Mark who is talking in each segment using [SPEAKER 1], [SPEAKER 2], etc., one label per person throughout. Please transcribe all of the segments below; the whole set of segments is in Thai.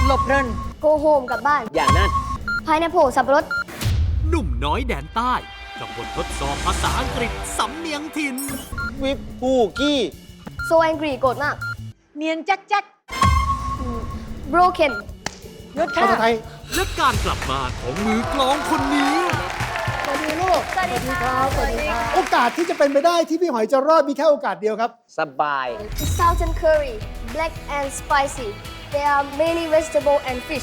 [SPEAKER 1] หลบเพลิน
[SPEAKER 2] go home กลับบ้าน
[SPEAKER 3] อย่างนั้น
[SPEAKER 2] pineapple สับปะรด
[SPEAKER 4] หนุ่มน้อยแดนใต้กับบททดสอบภาษาอังกฤษสำเนียงถิ่น
[SPEAKER 3] วิปกูกี้
[SPEAKER 2] so angry โกรธมาก
[SPEAKER 1] เนียนแจ๊กแจ๊ก
[SPEAKER 2] broken
[SPEAKER 1] ยศ
[SPEAKER 5] ภาษาไท
[SPEAKER 1] ค่ะ
[SPEAKER 5] ย
[SPEAKER 4] และการกลับมาของมือกลองคนนี้
[SPEAKER 5] สวัสดีลูก
[SPEAKER 2] สวัสดีครับสวัสดีครับ
[SPEAKER 5] โอกาสที่จะเป็นไปได้ที่พี่หอยจะรอดมีแค่โอกาสเดียวครับ
[SPEAKER 3] สบาย
[SPEAKER 2] southern curry black and spicy there are many vegetable and fish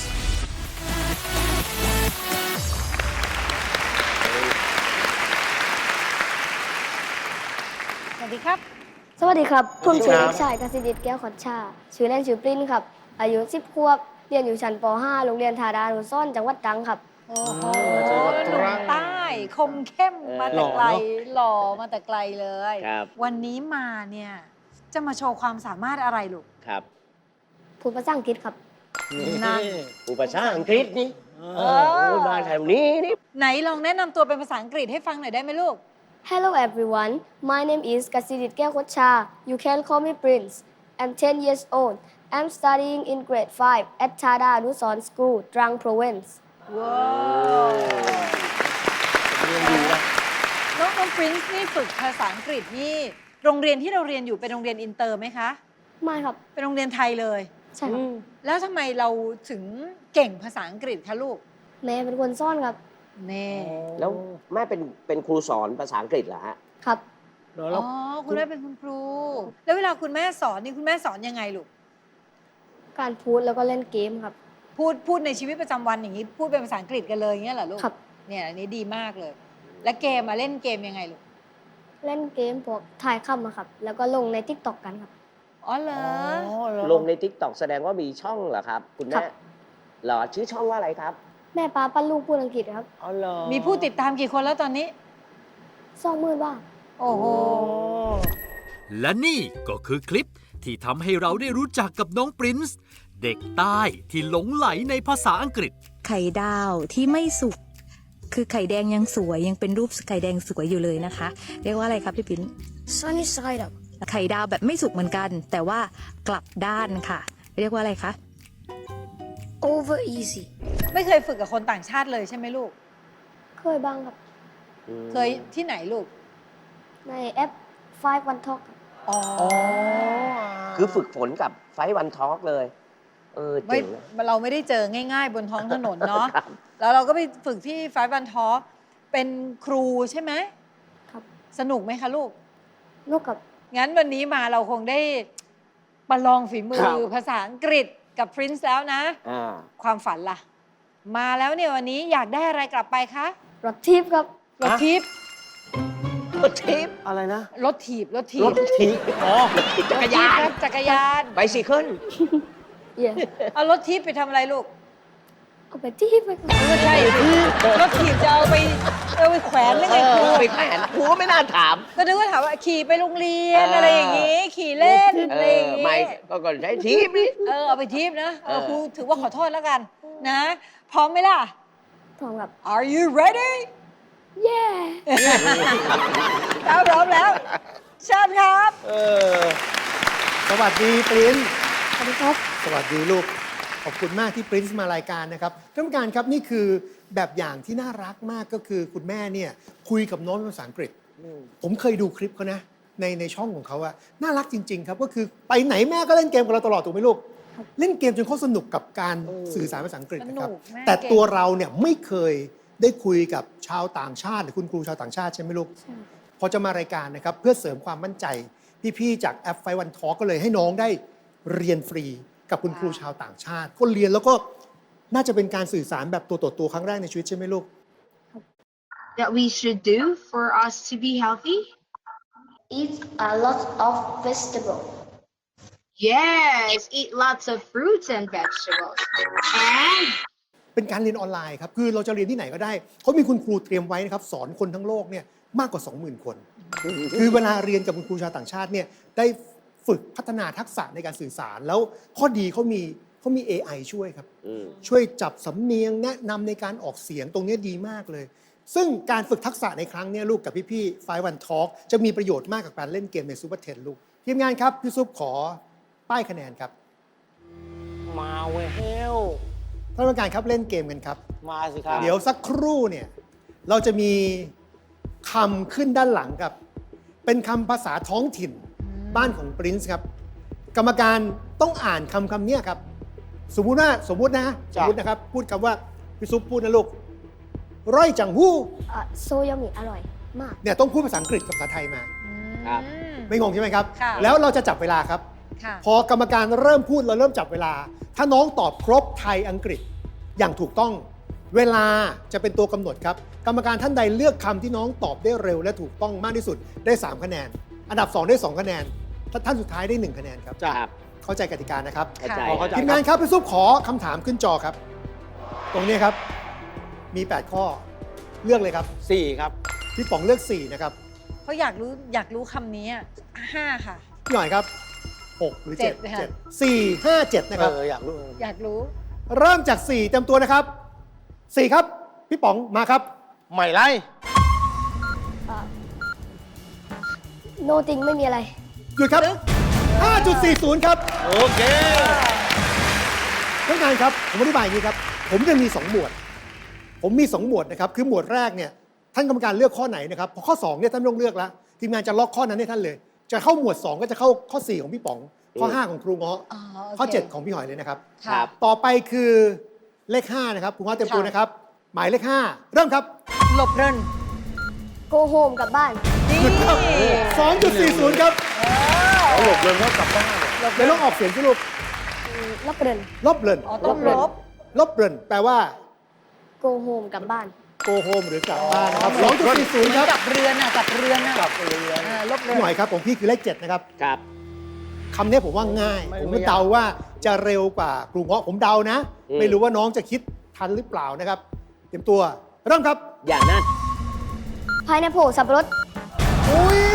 [SPEAKER 1] สวัสดีครับ
[SPEAKER 2] สวัสดีครับผมชื่อ
[SPEAKER 5] สวั
[SPEAKER 2] เด็
[SPEAKER 5] สดีครับ
[SPEAKER 2] กชายกสิดิษฐ์แก้วขอดชาชื่อเล่นชื่อปริ้นครับ อายุ10 ขวบ เรียนอยู่ชั้นป .5 โรงเรียนธาดานุสรณ์จังหวัดตรังครับ
[SPEAKER 1] โอ้โห
[SPEAKER 5] จังหวัด
[SPEAKER 1] ห
[SPEAKER 5] ต
[SPEAKER 1] นุ่
[SPEAKER 5] รั
[SPEAKER 1] ม
[SPEAKER 5] ง
[SPEAKER 1] ใต้ คมเข้มมาแต่ไกล
[SPEAKER 5] หล่อเนอะ
[SPEAKER 1] หล่อมาแต่ไกลเลย
[SPEAKER 3] ครับ
[SPEAKER 1] วันนี้มาเนี่ย จะมาโชว์ความสามารถอะไรลูก
[SPEAKER 3] ครับ
[SPEAKER 2] พูดภาษาอังกฤษครับ
[SPEAKER 1] นั่น
[SPEAKER 3] อุปชาอังกฤษนี่
[SPEAKER 1] เออ
[SPEAKER 3] มาแถวนี้นี่
[SPEAKER 1] ไหนลองแนะนำตัวเป็นภาษาอังกฤษให้ฟังหน่อยได้ไหมลูก
[SPEAKER 2] Hello everyone my name is กสิดิษฐ์แก้วขอดชา you can call me Prince I'm 10 years old I'm studying in grade 5 at Thada Anuson School Trang Province
[SPEAKER 1] ว้าวน้องปรินซ์นี่ฝึกภาษาอังกฤษนี่ โรงเรียนที่เราเรียนอยู่เป็นโรงเรียนอินเตอร์ไหมคะ
[SPEAKER 2] ไม่ครับ
[SPEAKER 1] เป็นโรงเรียนไทยเลย
[SPEAKER 2] ใช่ครับ
[SPEAKER 1] แล้วทำไมเราถึงเก่งภาษาอังกฤษคะลูก
[SPEAKER 2] แม่เป็นคนซ่อนครับ
[SPEAKER 1] เน่
[SPEAKER 3] แล้วแม่เป็นครูสอนภาษาอังกฤษเหรอฮะ
[SPEAKER 2] ครับ
[SPEAKER 5] เดี๋ยว
[SPEAKER 1] อ๋
[SPEAKER 5] เรา
[SPEAKER 1] อ คุณแม่เป็นคุณครู แล้วเวลาคุณแม่สอนนี่คุณแม่สอนยังไงลูก
[SPEAKER 2] การพูดแล้วก็เล่นเกมครับ
[SPEAKER 1] พูดในชีวิตประจำวันอย่างนี้ พูดเป็นภาษาอังกฤษกันเลยอย่างเงี้ยเหรอลูก
[SPEAKER 2] ครับ
[SPEAKER 1] เนี่ยอันนี้ดีมากเลย และเกมมาเล่นเกมยังไงลูก
[SPEAKER 2] เล่นเกมพวกถ่ายคำอะครับ แล้วก็ลงใน TikTok กันครับ
[SPEAKER 1] อ๋อเหรอ
[SPEAKER 3] ลงใน TikTok แสดงว่ามีช่องเหรอครับ คุณ
[SPEAKER 2] ครั
[SPEAKER 3] แม่
[SPEAKER 2] บ
[SPEAKER 3] เหรอชื่อช่องว่าอะไรครับ
[SPEAKER 2] แม่ป้าปั้นลูกพูดอังกฤษครับ
[SPEAKER 3] อ๋อเหรอ
[SPEAKER 1] มีผู้ติดตามกี่คนแล้วตอนนี้
[SPEAKER 2] 20,000 บาท
[SPEAKER 1] โอ้โห
[SPEAKER 4] และนี่ก็คือคลิปที่ทำให้เราได้รู้จักกับน้องปรินซ์เด็กใต้ที่หลงไหลในภาษาอังกฤษ
[SPEAKER 6] ไข่ดาวที่ไม่สุก คือไข่แดงยังสวยยังเป็นรูปไข่แดงสวยอยู่เลยนะคะ เรียกว่าอะไรครับพี่ปิ้น
[SPEAKER 2] Sunny side up
[SPEAKER 6] ไข่ดาวแบบไม่สุกเหมือนกัน แต่ว่ากลับด้านค่ะ เรียกว่าอะไรคะ
[SPEAKER 2] over easy
[SPEAKER 1] ไม่เคยฝึกกับคนต่างชาติเลยใช่ไหมลูก
[SPEAKER 2] เคยบ้างครับ
[SPEAKER 1] เคยที่ไหนลูก
[SPEAKER 2] ในแอป 5 One Talk ครับ
[SPEAKER 1] อ๋อ
[SPEAKER 3] คือฝึกฝนกับไฟวันทอล์กเลย
[SPEAKER 1] ไม่
[SPEAKER 3] เจ๋งนะ
[SPEAKER 1] เราไม่ได้เจอง่าย ๆ บนท้องถนนเนาะ
[SPEAKER 3] ครับ
[SPEAKER 1] แล้วเราก็ไปฝึกที่ไฟบันทอเป็นครูใช่ไหม
[SPEAKER 2] ครับ
[SPEAKER 1] สนุกไหมคะลูก
[SPEAKER 2] ลูกกับ
[SPEAKER 1] งั้นวันนี้มาเราคงได้ประลองฝีมื
[SPEAKER 3] ครั
[SPEAKER 1] อบ ภาษาอังกฤษกับพรินซ์แล้วนะ
[SPEAKER 3] อ่า
[SPEAKER 1] ความฝันล่ะ มาแล้วเนี่ยวันนี้อยากได้อะไรกลับไปคะ
[SPEAKER 2] รถทิพย์ครับ
[SPEAKER 1] รถทิพย์
[SPEAKER 3] รถทิปอะไรนะ
[SPEAKER 1] รถถีบ รถถี
[SPEAKER 3] ร
[SPEAKER 1] บ
[SPEAKER 3] ถทิปอ๋อจักรยาน
[SPEAKER 1] ครับจักรยาน
[SPEAKER 3] ไบซิเคิล
[SPEAKER 2] yeah
[SPEAKER 1] เอารถทิพย์ไปทำอะไรลูก
[SPEAKER 2] เอาไปทิพย์ไปครับ
[SPEAKER 1] ไม่ใช่รถถีบจะเอาไปแขวนหรือไงครู
[SPEAKER 3] ไปแขวนครูก็ไม่น่าถาม
[SPEAKER 1] ก็นึกว่าถามว่าขี่ไปโรงเรียนอะไรอย่างงี้ ขี่เล่นอะไรอย่างงี้
[SPEAKER 3] ไม่ก็ใช้ทิปนี่
[SPEAKER 1] เอาไปทิปนะครูถือว่าขอโทษแล้วกันนะ พร้อมไหมล่ะ
[SPEAKER 2] พร้อมกับ
[SPEAKER 1] Are you ready
[SPEAKER 2] yeah
[SPEAKER 1] ถ้าพร้อมแล้วเชิญครับ
[SPEAKER 5] สวัสดีปรินซ์
[SPEAKER 2] สวัสดีครับ
[SPEAKER 5] สวัสดีลูก ขอบคุณมากที่ปรินซ์มารายการนะครับท่านผู้การครับนี่คือแบบอย่างที่น่ารักมากก็คือคุณแม่เนี่ยคุยกับน้องเป็นภาษาอังกฤษ ผมเคยดูคลิปเขานะในช่องของเขาอะน่ารักจริง ๆ ครับก็คือไปไหนแม่ก็เล่นเกมกับเราตลอดถูกไหมลูก เล่นเกมจนเขาสนุกกับการสื่อสารภาษาอังกฤษนะครับ
[SPEAKER 1] สนุกแม่
[SPEAKER 5] แต่
[SPEAKER 1] เก่ง
[SPEAKER 5] ตัวเราเนี่ยไม่เคยได้คุยกับชาวต่างชาติหรือคุณครูชาวต่างชาติใช่ไหมลูก
[SPEAKER 2] ใช่
[SPEAKER 5] พอจะมารายการนะครับเพื่อเสริมความมั่นใจ พี่ๆจากแอปไฟวันทอก็เลยให้น้องได้เรียนฟรีกับคุณครูชาวต่างชาติ ก็เรียนแล้วก็น่าจะเป็นการสื่อสารแบบตัวต่อตัวครั้งแรกในชีวิตใช่ไหมลูก
[SPEAKER 7] that we should do for us to be healthy?
[SPEAKER 2] eat a lot of vegetable
[SPEAKER 7] Yes, eat lots of fruits and vegetables. And
[SPEAKER 5] เป็นการเรียนออนไลน์ครับคือเราจะเรียนที่ไหนก็ได้เขามีคุณครูเตรียมไว้นะครับสอนคนทั้งโลกเนี่ยมากกว่า 20,000 คน คือเวลาเรียนกับคุณครูชาวต่างชาติเนี่ยได้ฝึกพัฒนาทักษะในการสื่อสาร แล้วข้อดีเขามี AI ช่วยครับช่วยจับสำเนียงแนะนำในการออกเสียงตรงนี้ดีมากเลย ซึ่งการฝึกทักษะในครั้งนี้ลูกกับพี่ๆไฟวันทอล์กจะมีประโยชน์มากกับการเล่นเกมในซูเปอร์เทนลูกทีมงานครับพี่ซุปขอป้ายคะแนนครับ
[SPEAKER 3] มาเวล
[SPEAKER 5] ท่านกรรมการครับเล่นเกมกันครับ
[SPEAKER 8] มาสิครับ
[SPEAKER 5] เดี๋ยวสักครู่เนี่ยเราจะมีคำขึ้นด้านหลังครับ เป็นคำภาษาท้องถิ่นบ้านของปรินซ์ครับ กรรมการต้องอ่านคำเนี้ยครับ สมมุตินะครับ พูดคำว่าพี่ซุปพูดนะลูกร้อยจังหู้
[SPEAKER 2] โซยามิอร่อยมาก
[SPEAKER 5] เนี่ยต้องพูดภาษาอังกฤษกับภาษาไทยมา
[SPEAKER 3] ครับ
[SPEAKER 5] ไม่งงใช่ไหมครับ
[SPEAKER 1] ค่ะ
[SPEAKER 5] แล้วเราจะจับเวลาครับ
[SPEAKER 1] ค่ะ
[SPEAKER 5] พอกรรมการเริ่มพูดเราเริ่มจับเวลา ถ้าน้องตอบครบไทยอังกฤษอย่างถูกต้อง เวลาจะเป็นตัวกำหนดครับ กรรมการท่านใดเลือกคำที่น้องตอบได้เร็วและถูกต้องมากที่สุดได้ 3 คะแนน อันดับ 2 ได้ 2 คะแนนท่านสุดท้ายได้ 1 คะแนนครับ
[SPEAKER 3] ครับ
[SPEAKER 5] เข้าใจกติกานะครับ
[SPEAKER 3] เข้าใจ
[SPEAKER 8] เข้าใจ
[SPEAKER 5] ทีมงานครับพี่ซุปขอคำถามขึ้นจอครับ ตรงนี้ครับมี 8 ข้อเลือกเลยครับ
[SPEAKER 8] 4 ครับ
[SPEAKER 5] พี่ป๋องเลือก 4 นะครับ
[SPEAKER 1] เพราะอยากรู้คำนี้อะ5 ค่ะ
[SPEAKER 5] พี่หน่อยครับ 6 หรือ
[SPEAKER 1] 7
[SPEAKER 5] 7
[SPEAKER 1] ค่ะ
[SPEAKER 5] 7 4 5 7 นะครับ
[SPEAKER 8] อยากรู้
[SPEAKER 1] อยากรู้
[SPEAKER 5] เริ่มจาก 4 เต็มตัวนะครับ 4 ครับ พี่ป๋องมาครับ
[SPEAKER 8] ใหม่ไล่
[SPEAKER 2] โนติงไม่มีอะไร
[SPEAKER 5] หยุดครับ 5.40 ครับ
[SPEAKER 8] โอเค
[SPEAKER 5] ท่านงานครับ ผมอธิบายอย่างนี้ครับ ผมจะมี 2 หมวด ผมมี 2 หมวดนะครับ คือหมวดแรกเนี่ย ท่านกรรมการเลือกข้อไหนนะครับ พอข้อ 2 เนี่ยท่านไม่ต้องเลือกแล้ว ทีมงานจะล็อกข้อนั้นให้ท่านเลย จะเข้าหมวด 2 ก็จะเข้าข้อ 4 ของพี่ป๋อง ข้อ 5 ของครูเงาะ
[SPEAKER 1] อ๋อโอเค
[SPEAKER 5] ข้อ 7 ของพี่หอยเลยนะครับ
[SPEAKER 1] ค่ะ
[SPEAKER 5] ต่อไปคือเลข 5 นะครับครูเงาะเต็มตัวนะครับ หมายเลข 5 เริ่มครับ
[SPEAKER 1] หลบเริน
[SPEAKER 2] โกโฮมกลับบ้าน
[SPEAKER 1] นี่
[SPEAKER 5] หยุดครับ 2.40 ครับ
[SPEAKER 8] เขาหลบเลยว่ากลับบ้าน
[SPEAKER 5] เดี๋ยวลองออกเสียงสิลูก
[SPEAKER 2] ลับเริน
[SPEAKER 5] ลบเลิน
[SPEAKER 1] อ๋อต้องลบ
[SPEAKER 5] ลบเลินแปลว่า
[SPEAKER 2] โกโฮมกลับบ้าน
[SPEAKER 5] โกโฮมหรือกลับบ้านนะครับ
[SPEAKER 1] เหมือน
[SPEAKER 5] 2.40 ครับ
[SPEAKER 1] กับเรือนอ่ะกับเรือนอ่ะ
[SPEAKER 8] กลับเรือน
[SPEAKER 1] ลบเรื
[SPEAKER 5] พี่หน่
[SPEAKER 1] อ
[SPEAKER 5] อยครับของพี่คือเลข 7 นะครับ
[SPEAKER 3] ครับ
[SPEAKER 5] คำนี้ผมว่าง่าย
[SPEAKER 8] ไม่
[SPEAKER 5] ผม
[SPEAKER 8] ไม่
[SPEAKER 5] ก็
[SPEAKER 8] ยาก
[SPEAKER 5] เดาว่าจะเร็วกว่าครูเงาะผมเดานะ
[SPEAKER 3] อืม
[SPEAKER 5] ไม่รู้ว่าน้องจะคิดทันหรือเปล่านะครับ เตรียมตัว เริ่มครับ
[SPEAKER 3] อย่างนั้น
[SPEAKER 2] พายแอปเปิลสับปะรด
[SPEAKER 5] อุ้ย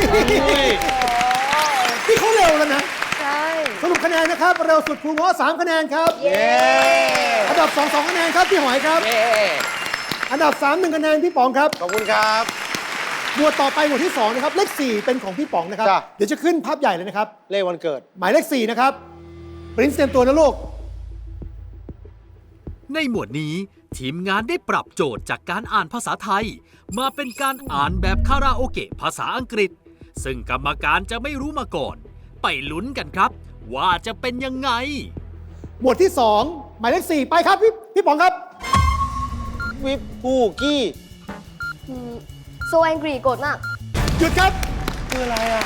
[SPEAKER 5] พี่เขาเร็วแล้วนะ
[SPEAKER 1] ใช่
[SPEAKER 5] สรุปคะแนนนะครับ เร็วสุดครูเงาะ3 คะแนนครับ
[SPEAKER 1] เย้
[SPEAKER 5] อันดับ 2 2 คะแนนครับพี่หอยครับ
[SPEAKER 3] เย้
[SPEAKER 5] อันดับ 3 1 คะแนนพี่ป๋องครับ
[SPEAKER 8] ขอบคุณครับ
[SPEAKER 5] หมวดต่อไปหมวดที่ 2 นะครับ เลข 4 เป็นของพี่ป๋องนะครับ
[SPEAKER 8] จ้ะ
[SPEAKER 5] เดี๋ยวจะขึ้นภาพใหญ่เลยนะครับ
[SPEAKER 8] เลขวันเกิด
[SPEAKER 5] หมายเลข 4 นะครับปรินซ์เตรียมตัวนะลูก
[SPEAKER 4] ในหมวดนี้ทีมงานได้ปรับโจทย์จากการอ่านภาษาไทย มาเป็นการอ่านแบบคาราโอเกะภาษาอังกฤษ ซึ่งกรรมการจะไม่รู้มาก่อน ไปลุ้นกันครับ ว่าจะเป็นยังไง
[SPEAKER 5] หมวดที่ 2 หมายเลข 4 ไปครับพี่ป๋องครับ
[SPEAKER 8] วิปปูกี้
[SPEAKER 2] โซแองกรีโกรธมาก
[SPEAKER 5] หยุดครับ
[SPEAKER 8] คืออะไรอ่ะ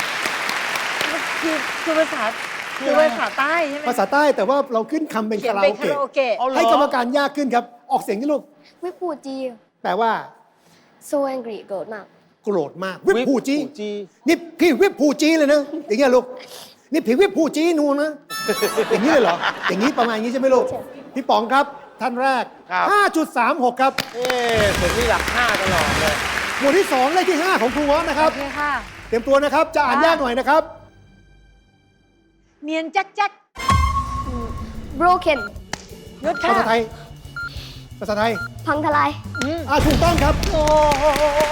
[SPEAKER 1] คือภาษาใต้ใช่ไหม
[SPEAKER 5] ภาษาใต้แต่ว่าเราขึ้นคำเป็น
[SPEAKER 1] เขีย
[SPEAKER 5] คาน รา
[SPEAKER 1] เป็น
[SPEAKER 5] โอ
[SPEAKER 1] คาราโอ
[SPEAKER 5] เกะ
[SPEAKER 1] เกะ
[SPEAKER 5] ให้กรรมการยากขึ้นครับ ออกเสียงที่ลูก
[SPEAKER 2] วิปูจี
[SPEAKER 5] แปลว่า
[SPEAKER 2] โซแองกรีโกรธมาก
[SPEAKER 5] โกรธมาก วิปผูจี
[SPEAKER 8] จี
[SPEAKER 5] นี่พี่วิปผูจีเลยนะ อย่างเงี้ยลูก นี่พี่วิปผูจีนูนนะ อย่างนี้เลยเหรอ อย่างนี้ประมาณนี้ใช่ไหมลูก พี่ป๋องครับ ท่านแรก 5.36 ครับ
[SPEAKER 8] ผมนี่หลัก 5 ตลอดเลย
[SPEAKER 5] หมวดที่ 2 เลขที่ 5 ของครูเงาะนะค
[SPEAKER 1] โอ
[SPEAKER 5] รับ
[SPEAKER 1] เคค่ะ
[SPEAKER 5] เตรียมตัวนะครับ จะอ่านยากหน่อยนะครับ
[SPEAKER 1] เนียนแจ๊กแจ๊ก
[SPEAKER 2] broken
[SPEAKER 1] ยศค่ะ
[SPEAKER 5] ภาษาไทย ภาษาไทย
[SPEAKER 2] พังทลาย
[SPEAKER 5] ถูกต้องครับ
[SPEAKER 1] โอ้โห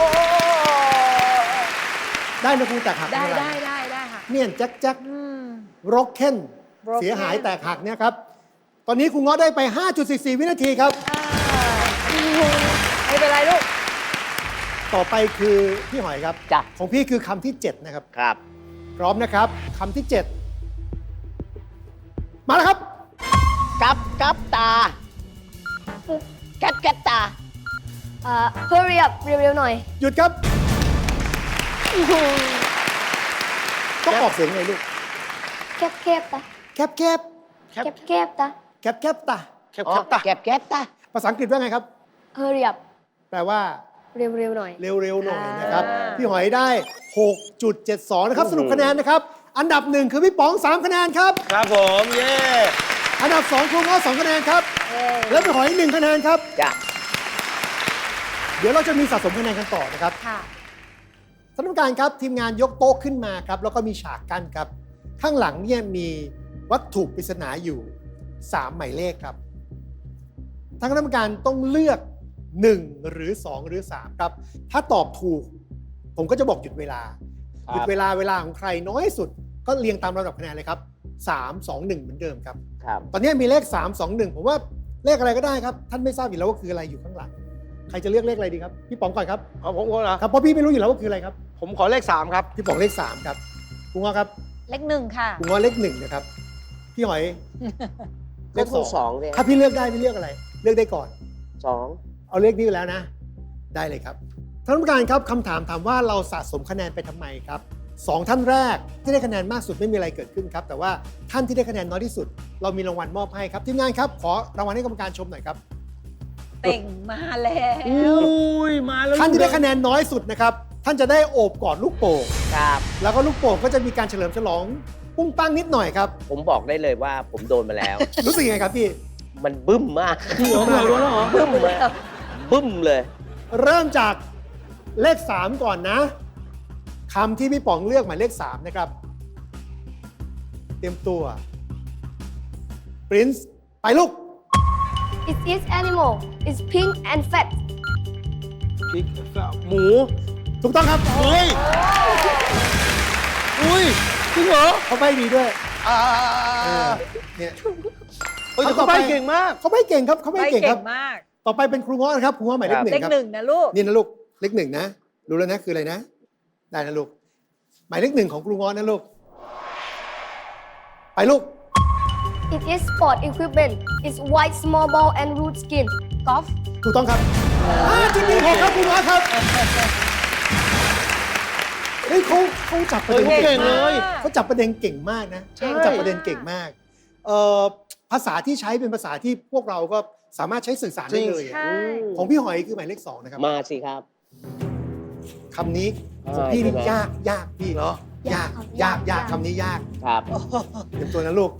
[SPEAKER 5] ได้นะครูแตกหัก
[SPEAKER 1] ได้
[SPEAKER 5] ม่เป็นร
[SPEAKER 1] ได้ค่ะ
[SPEAKER 5] เนียนแจ็คแจ็ค
[SPEAKER 1] อืม
[SPEAKER 5] ร็อกเคน
[SPEAKER 1] Broken
[SPEAKER 5] เสียหายแตกหักเนี่ยครับ ตอนนี้ครูเงาะได้ไป 5.44 วินาทีครับ
[SPEAKER 1] ไม่เป็นไรลูก
[SPEAKER 5] ต่อไปคือพี่หอยครับ
[SPEAKER 3] จ้ะ
[SPEAKER 5] ของพี่คือคำที่ 7 นะครับ
[SPEAKER 3] ครับ
[SPEAKER 5] พร้อมนะครับคำที่ 7 มาแล้วครับ
[SPEAKER 3] กับตา แก๊ดตา
[SPEAKER 2] hurry up เร็วๆหน่อย
[SPEAKER 5] หยุดครับ ต้องออกเสียงไงลูก
[SPEAKER 2] แคบๆตา
[SPEAKER 5] แคบแคบ
[SPEAKER 2] แคบๆตา
[SPEAKER 5] แคบแคบตา
[SPEAKER 8] แคบตา
[SPEAKER 3] แก๊ดตา
[SPEAKER 5] ภาษาอังกฤษว่าไงครับ
[SPEAKER 2] hurry up
[SPEAKER 5] แปลว่า
[SPEAKER 2] เร็วๆหน่อย
[SPEAKER 5] เร็วๆหน่อยนะครับ
[SPEAKER 1] อ่า
[SPEAKER 5] พี่หอยได้ 6.72 นะครับ สรุปคะแนนนะครับ อันดับ 1 คือพี่ป๋อง 3 คะแนนครับ
[SPEAKER 8] ครับผม เย้
[SPEAKER 5] อันดับ 2 ครูเงาะ2 คะแนนครับ แล้วพี่หอย 1 คะแนนครับ
[SPEAKER 3] จ้ะ
[SPEAKER 5] เดี๋ยวเราจะมีสะสมคะแนนกันต่อนะครับ
[SPEAKER 1] ค่ะ
[SPEAKER 5] ท่านผู้การครับทีมงานยกโต๊ะขึ้นมาครับ แล้วก็มีฉากกั้นครับ ข้างหลังเนี่ยมีวัตถุปริศนาอยู่ 3 หมายเลขครับทางคณะกรรมการต้องเลือก 1 หรือ 2 หรือ 3 ครับ ถ้าตอบถูก ผมก็จะบอกหยุดเวลา
[SPEAKER 8] ครับ
[SPEAKER 5] หยุดเวลาของใครน้อยสุด ก็เรียงตามลำดับคะแนนเลยครับ 3 2 1 เหมือนเดิมครับ
[SPEAKER 3] ครับ
[SPEAKER 5] ตอนนี้มีเลข 3 2 1 ผมว่าเลขอะไรก็ได้ครับ ท่านไม่ทราบอยู่แล้วว่าคืออะไรอยู่ข้างหลัง ใครจะเลือกเลขอะไรดีครับ พี่ป๋องก่อนครับ
[SPEAKER 8] เอาผมก่อนเหรอ
[SPEAKER 5] ครับ เพราะพี่ไม่รู้อยู่แล้วว่าคืออะไรครับ
[SPEAKER 8] ผมขอเลข 3 ครับ
[SPEAKER 5] พี่ป๋องเลข 3 ครับครูง้อครับ
[SPEAKER 1] เลขหนึ่งค่ะ
[SPEAKER 5] ครูง้อเลข 1 นะครับ พี่หอย เลข
[SPEAKER 3] ก็สอง
[SPEAKER 5] 2
[SPEAKER 3] เนี่ย
[SPEAKER 5] ถ้าพี่เลือกได้พี่เลือกอะไร เลือกได้ก่อน
[SPEAKER 3] สอง
[SPEAKER 5] เอาเลขนี้ไปแล้วนะ ได้เลยครับท่านผู้การครับคำถามถามว่าเราสะสมคะแนนไปทำไมครับ2ท่านแรกที่ได้คะแนนมากสุดไม่มีอะไรเกิดขึ้นครับแต่ว่าท่านที่ได้คะแนนน้อยที่สุด เรามีรางวัลมอบให้ครับทีมงานครับขอรางวัลให้กรรมการชมหน่อยครับ
[SPEAKER 1] เต่งมาแล้ว
[SPEAKER 8] อุ้ย มาแล้ว
[SPEAKER 5] ท่านที่ได้คะแนนน้อยสุดนะครับท่านจะได้โอบกอดลูกโป่ง
[SPEAKER 3] ครับ
[SPEAKER 5] แล้วก็ลูกโป่งก็จะมีการเฉลิมฉลองปุ้งปั้งนิดหน่อยครับ
[SPEAKER 3] ผมบอกได้เลยว่าผมโดนมาแล้ว
[SPEAKER 5] รู้สึกยังไงครับพี่
[SPEAKER 3] มันบึ้มมาก
[SPEAKER 8] พี่หอมเหรอแล้วเหรอ
[SPEAKER 3] บึ้มเลยบึ้มเลย
[SPEAKER 5] เริ่มจากเลข 3 ก่อนนะคำที่พี่ป๋องเลือกหมายเลข 3 นะครับ เตรียมตัว Prince ไปลูก
[SPEAKER 2] It is animal. It's pink and fat.
[SPEAKER 8] พริกหมู
[SPEAKER 5] ถูกต้องครับ
[SPEAKER 8] เฮ้ย อุ้ยจริงเหรอ
[SPEAKER 5] เขาใบดีด้วย
[SPEAKER 8] อ่า
[SPEAKER 5] เนี่ย
[SPEAKER 8] เฮ้ยแต่เขาใบเก่งมาก
[SPEAKER 5] เขาใบเก่งครับเขาใบ
[SPEAKER 1] ไม่
[SPEAKER 5] เก่ง
[SPEAKER 1] เก่
[SPEAKER 5] ครับ
[SPEAKER 1] งมาก
[SPEAKER 5] ต่อไปเป็นครูง้อนะครับครูง้อหมายเลข
[SPEAKER 3] ครับ
[SPEAKER 5] หนึ่
[SPEAKER 1] เล
[SPEAKER 5] ง
[SPEAKER 1] ข
[SPEAKER 5] ครับ
[SPEAKER 1] หนึ่งนะลูก
[SPEAKER 5] นี่นะลูกเลข 1นะรู้แล้วนะคืออะไรนะ ได้นะลูกหมายเลข 1ของครูง้อนะลูกไปลูก
[SPEAKER 2] It is sport equipment. It's white small ball and root skin.
[SPEAKER 1] กอล์ฟ
[SPEAKER 5] ถูกต้องครับจุดนี้ผมครับครูง้อครับเฮ้ยเขาจับประเด็น
[SPEAKER 8] เก่งเลย
[SPEAKER 5] เขาจับประเด็นเก่งมากนะ
[SPEAKER 1] ใช่
[SPEAKER 5] จับประเด็นเก่งมากภาษาที่ใช้เป็นภาษาที่พวกเราก็สามารถใช้สื่อสารได้เลยอะ
[SPEAKER 1] ใช่
[SPEAKER 5] ของพี่หอยคือหมายเลข 2 นะครับ
[SPEAKER 3] มาสิครับ
[SPEAKER 5] คำนี้ของพี่นี่
[SPEAKER 3] ใช่ไหม
[SPEAKER 5] ยากพี่
[SPEAKER 8] เหรอ
[SPEAKER 5] ยากคำนี้ยาก
[SPEAKER 3] ครับ
[SPEAKER 5] เตรียมตัวนะลูก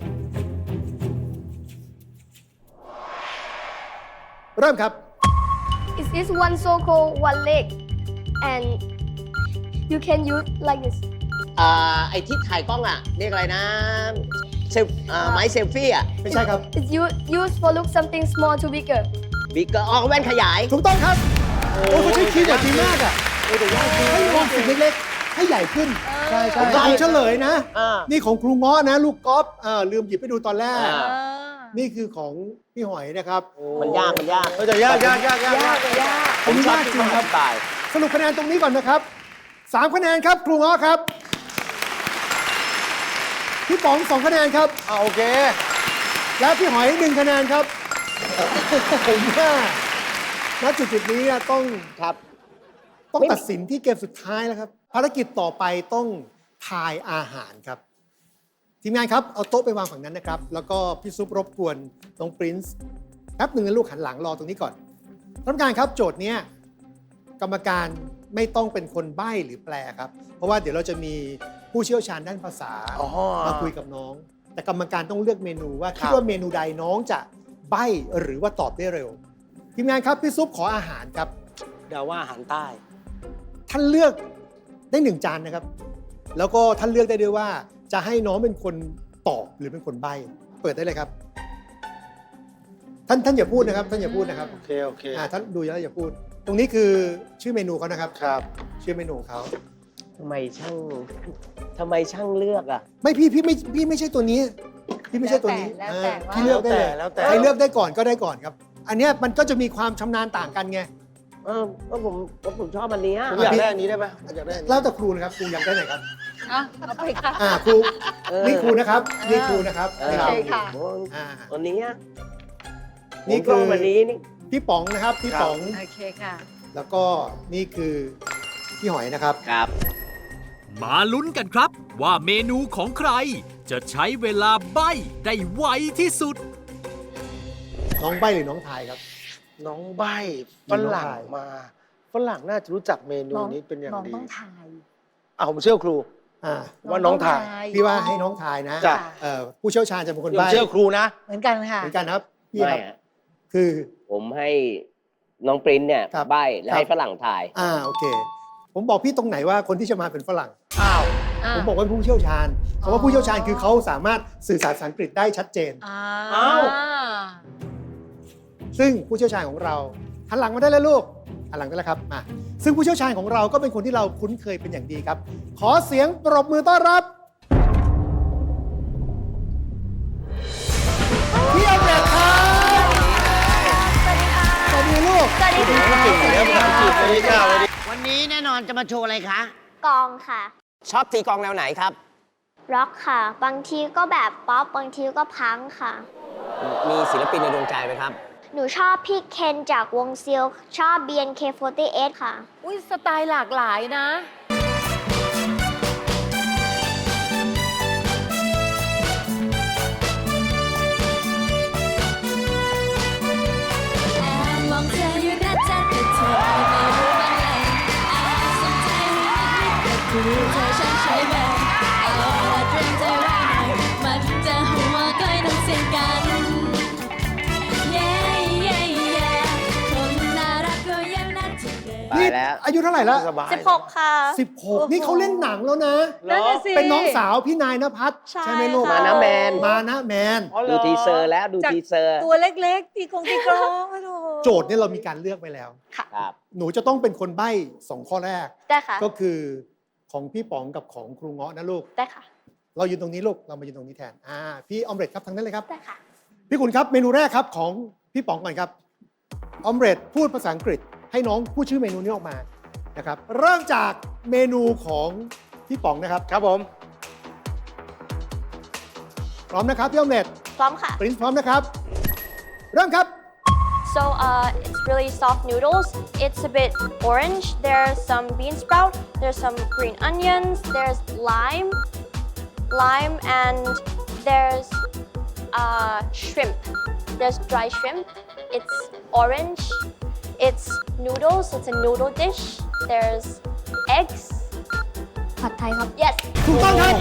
[SPEAKER 5] เริ่มครับ
[SPEAKER 2] It is one circle, one leg, and you can use like this.
[SPEAKER 3] ไอ้ที่ถ่ายกล้องอ่ะ เรียกอะไรนะเซลไม้เซลฟี่อ่ะ
[SPEAKER 5] ไม่ใช่ครับ
[SPEAKER 2] It's used for look something small to bigger.
[SPEAKER 3] บิ๊กเกอร์ออกแว่นขยาย
[SPEAKER 5] ถูกต้องครับ โอ้เขาใช้คีย์บอร์ดดีมากอ่ะให้มองสิ่งเล็กๆ ให้ใหญ่ขึ้น
[SPEAKER 1] ใช่ใช่
[SPEAKER 5] ผมเฉลยนะ
[SPEAKER 3] อ่า
[SPEAKER 5] นี่ของครูง้อนะ ลูกกอล์ฟลืมหยิบไปดูตอนแรก
[SPEAKER 3] อ่า
[SPEAKER 5] นี่คือของพี่หอยนะครับ
[SPEAKER 3] มันยาก มันยาก
[SPEAKER 8] เฮ้ยแต่ยาก
[SPEAKER 1] ยากเลยยาก
[SPEAKER 3] ผมชอบ
[SPEAKER 5] ยาก
[SPEAKER 3] ที่
[SPEAKER 5] จริง
[SPEAKER 3] เขา
[SPEAKER 5] ครับ
[SPEAKER 3] ทำตาย
[SPEAKER 5] สรุปคะแนนตรงนี้ก่อนนะครับ3คะแนนครับครูง้อครับ พี่ป๋อง2คะแนนครับ
[SPEAKER 8] โอเค
[SPEAKER 5] และพี่หอย1คะแนนครับ ผมว่าณจุดๆนี้เนี่ยต้อง
[SPEAKER 3] ครับ
[SPEAKER 5] ต้องตัดสินที่เกมสุดท้ายแล้วครับ ภารกิจต่อไปต้องทายอาหารครับ ทีมงานครับ เอาโต๊ะไปวางฝั่งนั้นนะครับ แล้วก็พี่ซุปรบกวนน้องปรินซ์แป๊บหนึ่งนะลูกหันหลังรอตรงนี้ก่อนท่านผู้การครับโจทย์เนี้ยกรรมการไม่ต้องเป็นคนใบ้หรือแปลครับ เพราะว่าเดี๋ยวเราจะมีผู้เชี่ยวชาญด้านภาษา
[SPEAKER 8] อ๋อ
[SPEAKER 5] มาคุยกับน้อง แต่กรรมการต้องเลือกเมนูว่า
[SPEAKER 8] ครั
[SPEAKER 5] คิด
[SPEAKER 8] บ
[SPEAKER 5] ว่าเมนูใดน้องจะใบ้หรือว่าตอบได้เร็ว ทีมงานครับพี่ซุปขออาหารครับ
[SPEAKER 8] เดาว่าอาหารใต้
[SPEAKER 5] ท่านเลือกได้1จานนะครับ แล้วก็ท่านเลือกได้ด้วยว่าจะให้น้องเป็นคนตอบหรือเป็นคนใบ้เปิดได้เลยครับ ท่านอย่าพูดนะครับ ท่านอย่าพูดนะครับ
[SPEAKER 8] โอเค โอเค
[SPEAKER 5] ท่านดูแล้วอย่าพูด ตรงนี้คือชื่อเมนูเขานะครับ
[SPEAKER 8] ครับ
[SPEAKER 5] ชื่อเมนูเขา
[SPEAKER 3] ทำไมช่างเลือกอ่ะ
[SPEAKER 5] ไม่พี่ไม่ใช่ตัวนี้ พี่ไม่ใช่ตัวนี้
[SPEAKER 1] แล้วแต่ว่า
[SPEAKER 5] พี่เลือกได้เลย
[SPEAKER 8] แล้วแต่
[SPEAKER 5] ใครเลือกได้ก่อนก็ได้ก่อนครับ อันเนี้ยมันก็จะมีความชำนาญต่างกันไง
[SPEAKER 3] ก็ผมชอบอันเนี้ย
[SPEAKER 8] ผมอยากได้อันนี้ได้ไหมอยากได้อันนี้
[SPEAKER 5] แล้วแต่ครูนะครับครูอยากได้ไหนครับ
[SPEAKER 1] เอาไปค่ะ
[SPEAKER 5] ครู
[SPEAKER 3] เออ
[SPEAKER 5] นี่ครูนะครับนี่ครูนะครับ
[SPEAKER 3] เออ
[SPEAKER 5] นี่รับ
[SPEAKER 1] โอเคค่ะ
[SPEAKER 5] อ่า
[SPEAKER 3] อันนี้อะ
[SPEAKER 5] นี่
[SPEAKER 3] ผม
[SPEAKER 5] คื
[SPEAKER 3] ช
[SPEAKER 5] อ
[SPEAKER 3] อบอันนี้นี่
[SPEAKER 5] พี่ป๋องนะครับพี่ป๋อง
[SPEAKER 1] โอเคค่ะ
[SPEAKER 5] แล้วก็นี่คือพี่หอยนะครับ
[SPEAKER 3] ครับ
[SPEAKER 4] มาลุ้นกันครับ ว่าเมนูของใคร จะใช้เวลาใบ้ได้ไวที่สุด
[SPEAKER 5] น้องใบหรือน้องทายครับ
[SPEAKER 8] น้องใบฝรั่งมา ฝรั่งน่าจะรู้จักเมนูนี้เป็นอย่าง
[SPEAKER 1] น้อง
[SPEAKER 8] ดี
[SPEAKER 1] ต้องทาย
[SPEAKER 8] ผมเชื่อครู
[SPEAKER 5] อ่า
[SPEAKER 8] ว่าน้องถ่าย
[SPEAKER 5] พี่ว่าให้น้องทายนะ
[SPEAKER 8] จ้ะ
[SPEAKER 5] ผู้เชี่ยวชาญจะเป็นคน
[SPEAKER 8] ผม
[SPEAKER 5] ใบ้
[SPEAKER 8] เชื่อครูนะ
[SPEAKER 1] เหมือนกันค่ะ
[SPEAKER 5] เหมือนกันครับพี่
[SPEAKER 3] ไม่
[SPEAKER 5] ครับ
[SPEAKER 3] อะ
[SPEAKER 5] คือ
[SPEAKER 3] ผมให้น้องปริ้นเนี่ย
[SPEAKER 5] ครับ
[SPEAKER 3] ใบและให้ฝรั่งถ่าย
[SPEAKER 5] โอเค ผมบอกพี่ตรงไหนว่าคนที่จะมาเป็นฝรั่ง
[SPEAKER 8] อ้าว
[SPEAKER 5] ผมบอกว่าผู้เชี่ยวชาญคำว่าผู้เชี่ยวชาญคือเขาสามารถสื่อสารภาษาอังกฤษได้ชัดเจน
[SPEAKER 8] อ้าว
[SPEAKER 5] ซึ่งผู้เชี่ยวชาญของเราหันหลังมาได้แล้วลูกหันหลังได้แล้วครับมาซึ่งผู้เชี่ยวชาญของเราก็เป็นคนที่เราคุ้นเคยเป็นอย่างดีครับ ขอเสียงปรบมือต้อนรับพี่อเมริกครับ
[SPEAKER 8] เก่งอยู่แล้วภาษาอังกฤษเลยค่ะวันนี้
[SPEAKER 3] วันนี้แน่นอนจะมาโชว์อะไรคะ
[SPEAKER 2] กองค่ะ
[SPEAKER 3] ชอบตีกลองแนวไหนครับ
[SPEAKER 2] ร็อกค่ะ บางทีก็แบบป๊อป บางทีก็พังค่ะ
[SPEAKER 3] มีศิลปินในดวงใจไหมครับ
[SPEAKER 2] หนูชอบพี่เคนจากวงซิลชอบ BNK48 ค่ะ
[SPEAKER 1] อุ้ยสไตล์หลากหลายนะ
[SPEAKER 9] มองเธออยู่นะจ๊ะแต่เธอไม่รู้บ้างเลยสนใจให้นิดก็คือเธอฉันใช่ไหมเอาละเตรียมใจไว้หน่อยมันจะหัวก้อยต้องเสียงกันเย้เย้เย้คนน่ารักก็ยังน่าจะเดิน
[SPEAKER 3] ไปแล้ว
[SPEAKER 5] อายุเท่าไหร่แล้ว
[SPEAKER 8] สบาย
[SPEAKER 2] 16 ค่ะ
[SPEAKER 5] 16 นี่เขาเล่นหนังแล้วนะ
[SPEAKER 1] นั่นน่ะสิ
[SPEAKER 5] เป็นน้องสาวพี่นายนภัส
[SPEAKER 2] ใช่
[SPEAKER 5] ใช่ไหมลูก
[SPEAKER 2] ค่ะ
[SPEAKER 3] มานะแมน
[SPEAKER 5] มานะแมน
[SPEAKER 8] อ๋อเหร
[SPEAKER 3] ดู
[SPEAKER 8] อ
[SPEAKER 3] ทีเซอร์แล้วดู
[SPEAKER 1] จาก
[SPEAKER 3] ทีเซอร์
[SPEAKER 1] ตัวเล็กๆ ตีกลองโอ้โห
[SPEAKER 5] โจทย์เนี่ยเรามีการเลือกไปแล้ว
[SPEAKER 3] ครับ
[SPEAKER 5] หนูจะต้องเป็นคนใบ้2 ข้อแรก
[SPEAKER 2] ได้ค่ะ
[SPEAKER 5] ก็คือของพี่ป๋องกับของครูเงาะนะลูก
[SPEAKER 2] ได้ค่ะ
[SPEAKER 5] เรายืนตรงนี้ลูก เรามายืนตรงนี้แทน พี่ออมเล็ตครับทางนั้นเลยครับ
[SPEAKER 2] ได้ค่ะ
[SPEAKER 5] พี่คุณครับเมนูแรกครับของพี่ป๋องก่อนครับออมเล็ตพูดภาษาอังกฤษให้น้องพูดชื่อเมนูนี้ออกมานะครับ เริ่มจากเมนูของพี่ป๋องนะครับ
[SPEAKER 8] ครับผม
[SPEAKER 5] พร้อมนะครับพี่ออมเล็ต
[SPEAKER 2] พร้อมค่ะ
[SPEAKER 5] ปรินซ์พร้อมนะครับ เริ่มครับ
[SPEAKER 2] So it's really soft noodles. It's a bit orange. There's some bean sprout. There's some green onions. There's lime, and there's shrimp. There's dry shrimp. It's orange. It's noodles. It's a noodle dish. There's eggs. ผัดไทยครับ Yes.
[SPEAKER 5] ถูกต้องครับ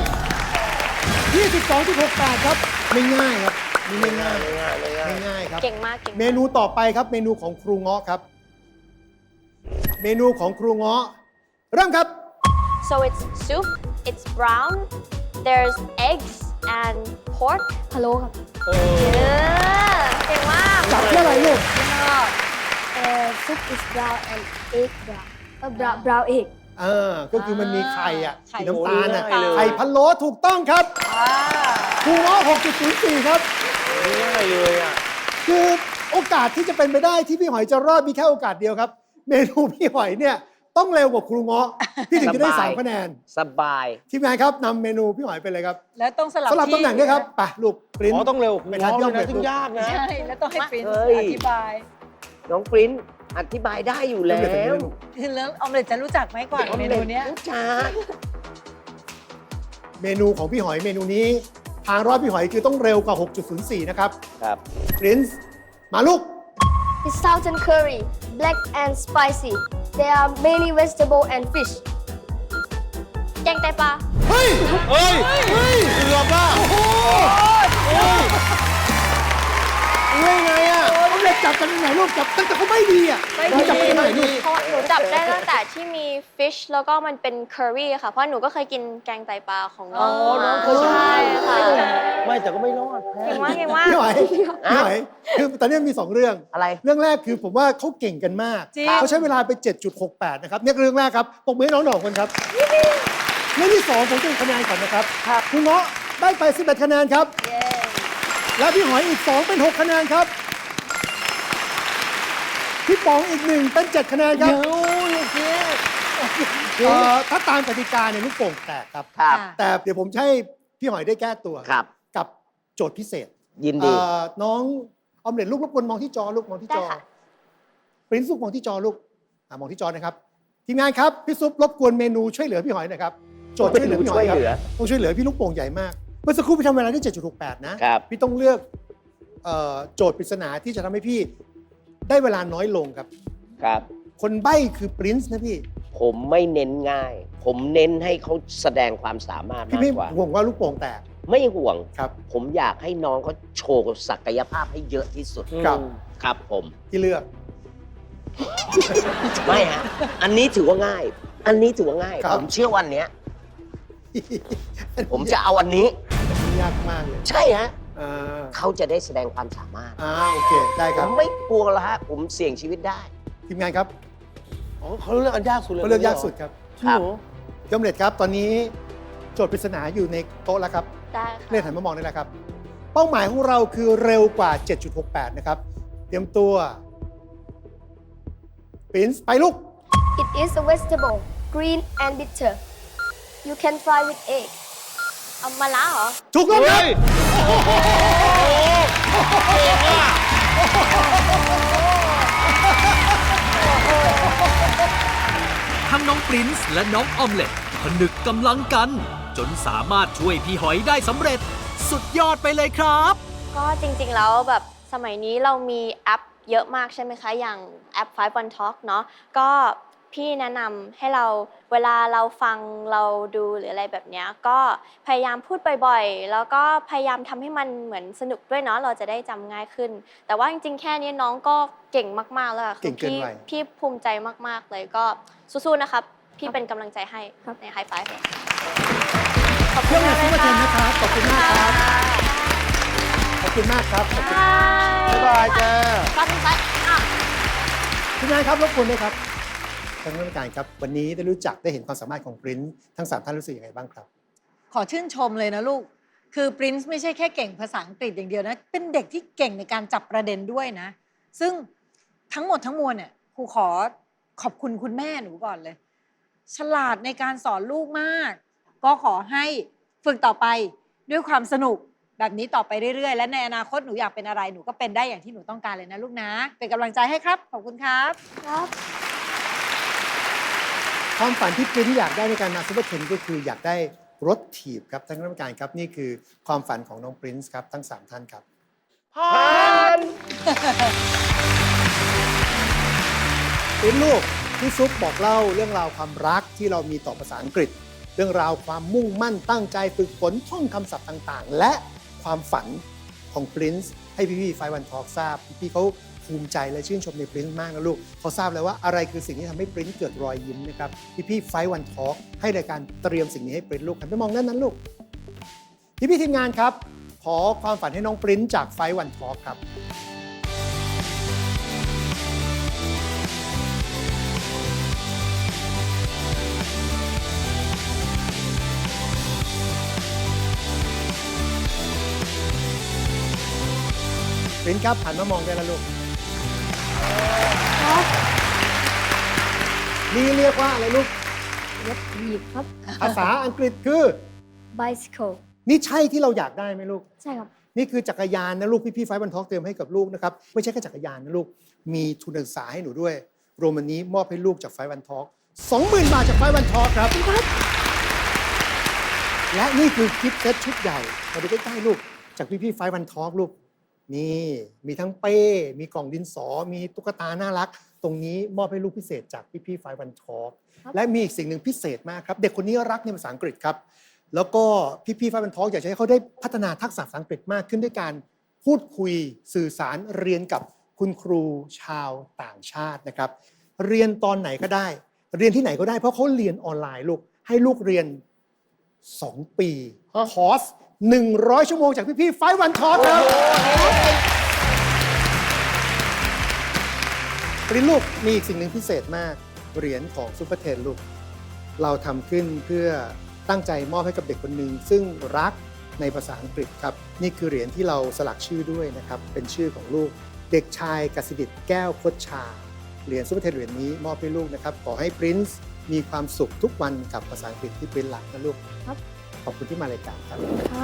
[SPEAKER 5] 22.68 ครับ ไม่ง่ายครับนี่ไม่ง่าย
[SPEAKER 8] ไม่ง่ายไม่ง่าย
[SPEAKER 5] ไม่ง่ายครับ
[SPEAKER 2] เก่งมาก
[SPEAKER 5] เมนูต่อไปครับ เมนูของครูเงาะครับ เมนูของครูเงาะเริ่มครับ
[SPEAKER 2] So it's soup. It's brown. There's eggs and pork. พะโล้ครับเก่งมาก
[SPEAKER 5] จับที่อะไรลูก
[SPEAKER 2] soup is brown and egg brown. brown egg.
[SPEAKER 5] ก็คือมันมีไข่อ่ะ
[SPEAKER 1] ไข่
[SPEAKER 5] สีน้ำตาลอ่ะ
[SPEAKER 8] โอ้ยง่ายเลย
[SPEAKER 5] ไข่พะโล้ถูกต้องครับครูเงาะ6.04 ครับ
[SPEAKER 8] ไม่ง่ายเลยอ่ะ
[SPEAKER 5] คือโอกาสที่จะเป็นไปได้ที่พี่หอยจะรอดมีแค่โอกาสเดียวครับ เมนูพี่หอยเนี่ยต้องเร็วกว่าครูเงาะพี่ถึงจะได้
[SPEAKER 3] สบาย
[SPEAKER 5] 3 คะแนน
[SPEAKER 3] สบาย
[SPEAKER 5] ทีมงานครับนำเมนูพี่หอยไปเลยครับ
[SPEAKER 1] แล้วต้องสลับ
[SPEAKER 5] สลับตำแหน่งด้วยครับไปลูกปริ้น
[SPEAKER 8] อ๋อต้องเร็ว
[SPEAKER 5] ไปทาน
[SPEAKER 8] น้
[SPEAKER 5] ย่อ
[SPEAKER 8] อ
[SPEAKER 5] ม
[SPEAKER 8] ง
[SPEAKER 5] เล
[SPEAKER 8] เลย ยซึ่งยากนะ
[SPEAKER 1] ใช่ แล้วต้องให้ปรินซ์
[SPEAKER 3] เฮ้ย
[SPEAKER 1] อธิบาย
[SPEAKER 3] น้องปริ้นอธิบายได้อยู่แล้ว
[SPEAKER 1] คือแล้วออมเล็ตจะรู้จักไหมก่อนเมนูเนี้ย
[SPEAKER 3] รู้จัก
[SPEAKER 5] เมนูของพี่หอยเมนูนี้ ทางรอดพี่หอยคือต้องเร็วกว่า 6.04 นะครับ
[SPEAKER 3] ครับ
[SPEAKER 5] ปรินซ์มาลูก
[SPEAKER 2] It's Southern curry, black and spicy. There are many vegetable and fish. แกงไตปลา
[SPEAKER 5] เฮ้ย
[SPEAKER 8] เฮ้ย เกือบอ่ะ
[SPEAKER 5] โอ้โห
[SPEAKER 8] เฮ้ยไงอ่ะ
[SPEAKER 5] เขาเล็กจับกันยังไงลูกจับตั้งแต่เขาไม่ดีอ่ะ
[SPEAKER 1] ไม่ดี
[SPEAKER 5] เราจับกันยังไงลูก
[SPEAKER 2] เพราะหนูจับได้ตั้งแต่ที่มี fish แล้วก็มันเป็น curry ค่ะ เพราะหนูก็เคยกินแกงไตปลาของน้อง
[SPEAKER 8] อ๋อน้องเคยกิน
[SPEAKER 2] ใช่ค่ะ
[SPEAKER 8] ไม่แต่ก็ไม่รอด
[SPEAKER 2] เก่งมากเก่งมาก
[SPEAKER 5] พี่หอยพี่หอยคือตอนนี้มี 2 เรื่อง
[SPEAKER 3] อะไร
[SPEAKER 5] เรื่องแรกคือผมว่าเขาเก่งกันมาก
[SPEAKER 1] จริง
[SPEAKER 5] เขาใช้เวลาไป 7.68 นะครับเนี่ยเรื่องแรกครับปรบมือให้น้องหน่องคนครับเรื่องที่ 2 ผมจะคะแนนก่อนนะครับคุณเงาะได้ไป 11 คะแนนครับ และพี่หอยอีก 2 เป็น 6 คะแนนครับ พี่ป๋องอีก 1 เป็น 7 คะแนนครับถ้าตามกติกาเนี่ยลูกโป่งแตกครับ
[SPEAKER 3] ครับ
[SPEAKER 5] แต่เดี๋ยวผมจะให้พี่หอยได้แก้ตัว
[SPEAKER 3] ครับ
[SPEAKER 5] กับโจทย์พิเศษ
[SPEAKER 3] ยินดี
[SPEAKER 5] น้องออมเล็ตลูกรบกวนมองที่จอลูกมองที่จอ
[SPEAKER 2] ได้ค่ะ
[SPEAKER 5] ปริ้นซุปมองที่จอลูกมองที่จอนะครับทีมงานครับพี่ซุปรบกวนเมนูช่วยเหลือพี่หอยหน่อยครับโจทย์ช่วยเหลือพี่หอยครับ
[SPEAKER 3] ช่วยเหลือ
[SPEAKER 5] ต้องช่วยเหลือพี่ลูกโป่งใหญ่มากเมื่อสักครู่พี่ทำเวลาได้ 7.68 นะครับ พี่ต้องเลือกโจทย์ปริศนาที่จะทำให้พี่ได้เวลาน้อยลงครับ
[SPEAKER 3] ครับ
[SPEAKER 5] คนใบ้คือปรินซ์นะพี่
[SPEAKER 3] ผมไม่เน้นง่าย ผมเน้นให้เขาแสดงความสามารถ
[SPEAKER 5] พี่
[SPEAKER 3] มาก
[SPEAKER 5] ไม่
[SPEAKER 3] กว่า
[SPEAKER 5] ห่วงว่าลูกโป่งแตก
[SPEAKER 3] ไม่ห่วง
[SPEAKER 5] ครับ
[SPEAKER 3] ผมอยากให้น้องเขาโชว์ศักยภาพให้เยอะที่สุด
[SPEAKER 5] ครับ
[SPEAKER 3] ครับผม
[SPEAKER 5] ที่เลือก
[SPEAKER 3] ไม่ฮะ อันนี้ถือว่าง่าย อันนี้ถือว่าง่าย
[SPEAKER 5] ครับ
[SPEAKER 3] ผมเชื่อวันเนี้ย ผมจะเอาอันนี้
[SPEAKER 5] ยากมากเลย
[SPEAKER 3] ใช่ฮะ
[SPEAKER 5] อ่า
[SPEAKER 3] เขาจะได้แสดงความสามารถ
[SPEAKER 5] โอเคได้ค
[SPEAKER 3] ผ
[SPEAKER 5] รับ
[SPEAKER 3] มไม่กลัวแล้วฮะ ผมเสี่ยงชีวิตได้
[SPEAKER 5] ทีมงานครับ
[SPEAKER 8] อ๋อเขาเลือกอันยากสุดเลย
[SPEAKER 5] เขาเลือกยากสุดครับ
[SPEAKER 8] จริงเหรอ
[SPEAKER 5] ยอมเล็ตครับ ตอนนี้โจทย์ปริศนาอยู่ในโต๊ะแล้วครับ
[SPEAKER 2] ได้
[SPEAKER 5] เล่น
[SPEAKER 2] ค่ะ
[SPEAKER 5] หันมามองได้แล้วครับ เป้าหมายของเราคือเร็วกว่า 7.68 นะครับ เตรียมตัว Prince ไปลูก
[SPEAKER 2] It is a vegetable, green and bitter. You can fry with egg. เอามาล้าเหรอ
[SPEAKER 5] ถูกต้องครับ
[SPEAKER 4] ทั้งน้องปรินซ์และน้องออมเล็ตผนึกกำลังกัน จนสามารถช่วยพี่หอยได้สำเร็จ สุดยอดไปเลยครับ
[SPEAKER 2] ก็จริงๆ แล้วแบบสมัยนี้เรามีแอปเยอะมากใช่ไหมคะ อย่างแอป 5 One Talk เนาะก็พี่แนะนำให้เราเวลาเราฟังเราดูหรืออะไรแบบเนี้ยก็พยายามพูดบ่อยๆ แล้วก็พยายามทำให้มันเหมือนสนุกด้วยเนาะเราจะได้จำง่ายขึ้น แต่ว่าจริงๆ แค่นี้น้องก็เก่งมากๆ แล้วค่ะ
[SPEAKER 5] เก่งเกินวัย
[SPEAKER 2] พี่ภูมิใจมากๆ เลยก็สู้ๆ นะครับ พี่เป็นกำลังใจให้ในไฮไฟฟ์ขอบคุ
[SPEAKER 5] เพื่
[SPEAKER 2] ณ
[SPEAKER 5] อน
[SPEAKER 2] มาก
[SPEAKER 5] ซุป
[SPEAKER 2] เล
[SPEAKER 5] เปอย ร์เท
[SPEAKER 2] ค่ะ
[SPEAKER 5] นนะครับ ขอบคุณมากครับ ขอบคุณมากครับ ขอบคุณ
[SPEAKER 8] บ๊ายบายจ้า
[SPEAKER 2] ฟันไปอ่ะ
[SPEAKER 5] ทีมงานครับรบกวนด้วยครับท่านผู้การครับ วันนี้ได้รู้จักได้เห็นความสามารถของปรินซ์ทั้ง 3 ท่านรู้สึกยังไงบ้างครับ
[SPEAKER 1] ขอชื่นชมเลยนะลูก คือปรินซ์ไม่ใช่แค่เก่งภาษาอังกฤษอย่างเดียวนะ เป็นเด็กที่เก่งในการจับประเด็นด้วยนะ ซึ่งทั้งหมดทั้งมวลเนี่ยครูขอขอบคุณคุณแม่หนูก่อนเลย ฉลาดในการสอนลูกมาก ก็ขอให้ฝึกต่อไปด้วยความสนุกแบบนี้ต่อไปเรื่อยๆ และในอนาคตหนูอยากเป็นอะไรหนูก็เป็นได้อย่างที่หนูต้องการเลยนะลูกนะ เป็นกำลังใจให้ครับ ขอบคุณครับ
[SPEAKER 2] ครับ
[SPEAKER 5] ความฝันที่ปรินซ์อยากได้ในการมาซุปเปอร์เทนก็คืออยากได้รถถีบครับท่านผู้การครับนี่คือความฝันของน้องปรินซ์ครับทั้ง 3 ท่านครับ
[SPEAKER 8] ผ่าน
[SPEAKER 5] ปรินซ์ลูกพี่ซุปบอกเล่าเรื่องราวความรักที่เรามีต่อภาษาอังกฤษ เรื่องราวความมุ่งมั่นตั้งใจฝึกฝนท่องคำศัพท์ต่างๆ และความฝันของปรินซ์ให้พี่ๆ5 One Talk ทราบพี่ๆเขาภูมิใจและชื่นชมในปรินซ์มากนะลูกเขาทราบแล้วว่าอะไรคือสิ่งที่ทำให้ปรินซ์เกิดรอยยิ้มนะครับพี่ๆ5 One Talk ให้รายการเตรียมสิ่งนี้ให้ปรินซ์ลูกหันไปมองด้านนั้นลูกพี่ๆทีมงานครับขอความฝันให้น้องปรินซ์จาก5 One Talk ครับปรินซ์ครับหันมามองได้แล้วลูกนี่เรียกว่าอะไรลูก
[SPEAKER 2] รถถีบครับ
[SPEAKER 5] ภาษาอังกฤษคือ
[SPEAKER 2] bicycle
[SPEAKER 5] นี่ใช่ที่เราอยากได้ไหมลูก
[SPEAKER 2] ใช่ครับ
[SPEAKER 5] นี่คือจักรยานนะลูกพี่ๆ5 One Talk เตรียมให้กับลูกนะครับไม่ใช่แค่จักรยานนะลูกมีทุนการศึกษาให้หนูด้วยรวมวันนี้มอบให้ลูกจาก5 One Talk 20,000 บาทจาก5 One Talk ครับและนี่คือกิฟต์เซตชุดใหญ่มาดูใกล้ๆลูกจากพี่ๆ5 One Talk ลูกนี่มีทั้งเป้มีกล่องดินสอมีตุ๊กตาน่ารัก ตรงนี้มอบให้ลูกพิเศษจากพี่ๆ5 One Talk และมีอีกสิ่งหนึ่งพิเศษมากครับเด็กคนนี้รักในภาษาอังกฤษครับแล้วก็พี่ๆ5 One Talk อยากจะให้เขาได้พัฒนาทักษะภาษาอังกฤษมากขึ้นด้วยการพูดคุยสื่อสารเรียนกับคุณครูชาวต่างชาตินะครับเรียนตอนไหนก็ได้ เรียนที่ไหนก็ได้เพราะเขาเรียนออนไลน์ลูกให้ลูกเรียน 2 ปีคอร์ส100 ชั่วโมงจากพี่ๆ5 One Talk ครับปรินลูกมีอีกสิ่งหนึ่งพิเศษมากเหรียญของซุปเปอร์เทนลูกเราทำขึ้นเพื่อตั้งใจมอบให้กับเด็กคนหนึ่งซึ่งรักในภาษาอังกฤษครับนี่คือเหรียญที่เราสลักชื่อด้วยนะครับเป็นชื่อของลูกเด็กชายกสิดิษฐ์แก้วคดชาเหรียญซุปเปอร์เทนเหรียญนี้มอบให้ลูกนะครับขอให้ปรินซ์มีความสุขทุกวันกับภาษาอังกฤษที่ปรินซ์รักนะลูกขอบคุณที่มารายการครับ
[SPEAKER 2] ครับ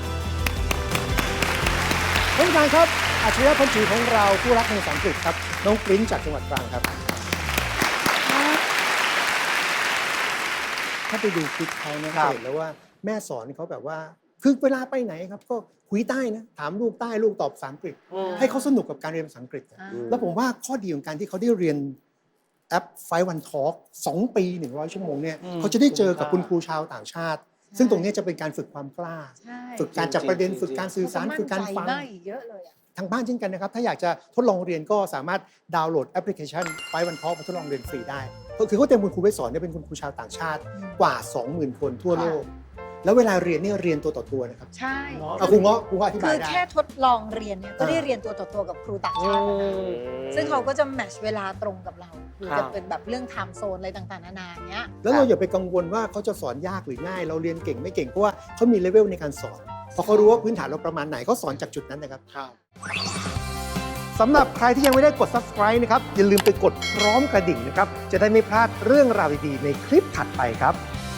[SPEAKER 5] ท่านผู้การครับอัจฉริยะพันธุ์ของเราผู้รักในภาษาอังกฤษครับน้องปริ้นจากจังหวัดตรังครับถ้าไปดูคลิปเขานะ
[SPEAKER 8] ครั
[SPEAKER 5] จะ
[SPEAKER 8] บ
[SPEAKER 5] เห็นแล้วว่าแม่สอนเขาแบบว่าคือเวลาไปไหนครับก็คุยใต้นะถามลูกใต้ลูกตอบภาษาอังกฤษ ให้เขาสนุกกับการเรียนภาษาอังกฤษ แล้วผมว่าข้อดีของการที่เขาได้เรียนแอป5 One Talk 2 ปี 100 ชั่วโมงเนี่ยเขาจะได้เจอกับคุณครูชาวต่างชาติ ซึ่งตรงนี้จะเป็นการฝึกความกล้า
[SPEAKER 1] ใช่
[SPEAKER 5] ฝึกการจับประเด็นฝึกการสื่อสารฝึกการฟัง
[SPEAKER 1] ได้เยอะเลยอะ
[SPEAKER 5] ทางบ้านเช่นกันนะครับ ถ้าอยากจะทดลองเรียนก็สามารถดาวน์โหลดแอปพลิเคชัน5 One Talk มาทดลองเรียนฟรีได้ก็คือเขาเตรียมคุณครูไว้สอนเนี่ยเป็นคุณครูชาวต่างชาติกว่า 20,000 คนทั่วโลก แล้วเวลาเรียนเนี่ยเรียนตัวต่อตัวนะครับ
[SPEAKER 1] ใช่
[SPEAKER 5] เอาครูเงาะอธิ
[SPEAKER 1] คื
[SPEAKER 5] บาย
[SPEAKER 1] อ
[SPEAKER 5] ได้
[SPEAKER 1] แค่ทดลองเรียนเนี่ยก็ได้เรียนตัวต่อตัวกับครูต่างชาติแล้วนะซึ่งเขาก็จะแมทช์เวลาตรงกับเราหรือ
[SPEAKER 8] ครั
[SPEAKER 1] จะ
[SPEAKER 8] บ
[SPEAKER 1] เป็นแบบเรื่องไทม์โซนอะไรต่างๆนานาอย่างเงี้ย
[SPEAKER 5] แล้วเราอย่าไปกังวลว่าเขาจะสอนยากหรือง่าย เราเรียนเก่งไม่เก่งเพราะว่าเขามีเลเวลในการสอนเพราะเขารู้ว่าพื้นฐานเราประมาณไหนเขาสอนจากจุดนั้นนะครับสำหรับใครที่ยังไม่ได้กด subscribe นะครับ อย่าลืมไปกดพร้อมกระดิ่งนะครับ จะได้ไม่พลาดเรื่องราวดีๆในคลิปถัดไปครับ